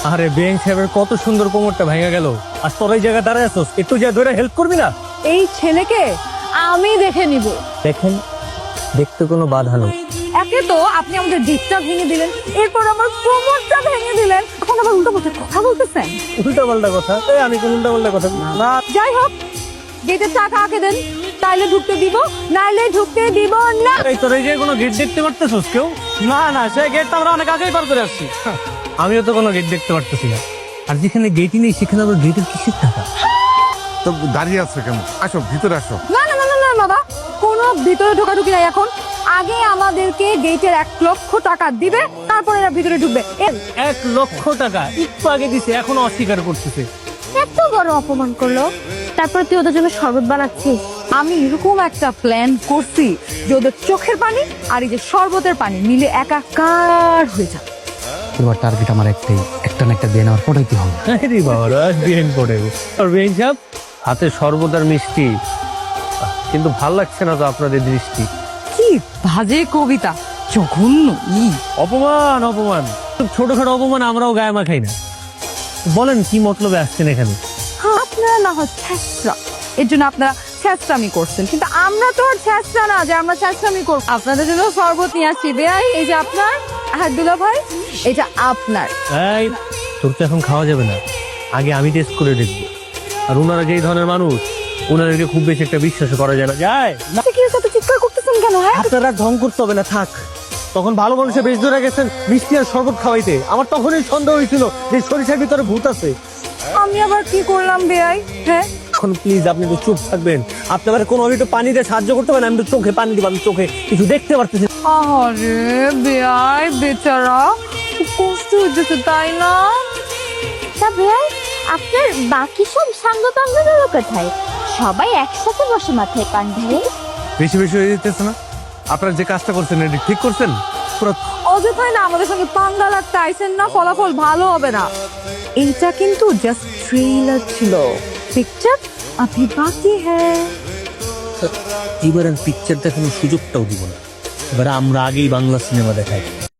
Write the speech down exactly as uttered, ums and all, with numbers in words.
আরে বেঞ্চ সাহেবের কত সুন্দর কোমরটা ভেঙে গেল, আর তোর এই জায়গায় দাঁড়ায় আছিস, একটু যা ধরে হেল্প করবি না? এই ছেলেকে আমি দেখে নিব। দেখেন, দেখতে কোনো বাধা নেই। একে তো আপনি আমাদের ডিপটা ভেঙে দিলেন, এরপর আমার কোমরটা ভেঙে দিলেন, এখন আবার উল্টো পাল্টা কথা বলতেছেন। উল্টা পাল্টা কথা? এই আমি কোন উল্টা পাল্টা কথা না। যাই হোক, গেটের টাকা আগে দেন, তাইলে ঢুকতে দিব, নাইলে ঢুকতে দিব না। এই তোর এই যে কোনো গেট দেখতে পারতেছিস কেউ? না না, সেই গেটটা আমরা অনেক আগেই পার করে আসছি। আমিও তো কোনো গেট দেখতে পারতেছি না। আর যেখানে গেটই নেই সেখানে আবার গেটের কিসের টাকা? তো দাঁড়িয়ে আছো কেন? আসো ভিতরে আসো। না না না না না বাবা, কোনো ভিতরে ঢোকাঢুকি নাই এখন। আগে আমাদেরকে গেটের এক লক্ষ টাকা দিবে, তারপরে এরা ভিতরে ঢুকবে। এ- এক লক্ষ টাকা একটু আগে দিছে, এখনো অস্বীকার করতেছে। এত বড় অপমান করলো, তারপর তুই ওদের জন্য শরবত বানাচ্ছিস। আমি এরকম একটা প্ল্যান করছি যে ওদের চোখের পানি আর এই যে শরবতের পানি মিলে একাকার হয়ে যাবে। এবার টার্গেট আমার একটাই, একটা না একটা দিয়ে নেওয়ার পটাইতে হবে। আরে বাবা, রাজ বিহেন পড়ে আর বেঞ্চ সাহেব হাতে শরবত আর মিষ্টি, কিন্তু ভাল লাগছে না তো আপনাদের দৃষ্টি। কি বাজে কবিতা, জঘন্য। ই অপমান অপমান, ছোটখাটো অপমান আমরাও গায়ে মাখাই না। বলেন কি মতলবে আসছেন এখানে? আপনারা না হয় ছ্যাঁচড়া, এর জন্য আপনারা ছ্যাঁচড়ামি করছেন, কিন্তু আমরা তো আর ছ্যাঁচড়া না যে আমরা ছ্যাঁচড়ামি করব। আপনাদের জন্য শরবত নিয়ে আসছি। বেয়াই, এই যে আপনার, আর দুলা ভাই এটা আপনার। এই, তোর তো এখন খাওয়া যাবে না, আগে আমি টেস্ট করে দেখবো। আর ওনারা যেই ধরনের মানুষ, ওনাদেরকে খুব বেশি একটা বিশ্বাস করা যায় না। যায় না। কি এত চিৎকার করতেছেন কেন? হ্যাঁ, আপনারা ঢং করতে হবে না, থাক। তখন ভালো মানুষের বেশ ধরে গেছেন মিষ্টি আর শরবত খাওয়াইতে, আমার তখনই সন্দেহ হয়েছিল যে সরিষার ভিতরে ভূত আছে। আমি আবার কি করলাম বেয়াই? হ্যাঁ, এখন প্লিজ আপনি একটু চুপ থাকবেন। আপনি আবার কোনো একটু পানি দিয়ে সাহায্য করতে পারেন? আমি তো চোখে পানি দিব, আমি চোখে কিছু দেখতে পারতেছি। আরে বেয়াই বেচারা, খুব কষ্ট হচ্ছে তাই না? তা ভাই, আপনার বাকি সব সাঙ্গ পাঙ্গগুলো কোথায়? সবাই একসাথে বসে মাথায় পান ঢালে। বেশি বেশি হয়ে যেতেছে না? আপনারা যে কাজটা করছেন এটা ঠিক করছেন? পুরো অযথাই না আমাদের সঙ্গে পাঙ্গা লাগতে আইছেন না, ফলাফল ভালো হবে না। এইটা কিন্তু জাস্ট ট্রেলার ছিল, পিকচার আভি বাকি হ্যায়। এবার আর পিকচার দেখানোর সুযোগটাও দিব না, এবার আমরা আগেই বাংলা সিনেমা দেখাই।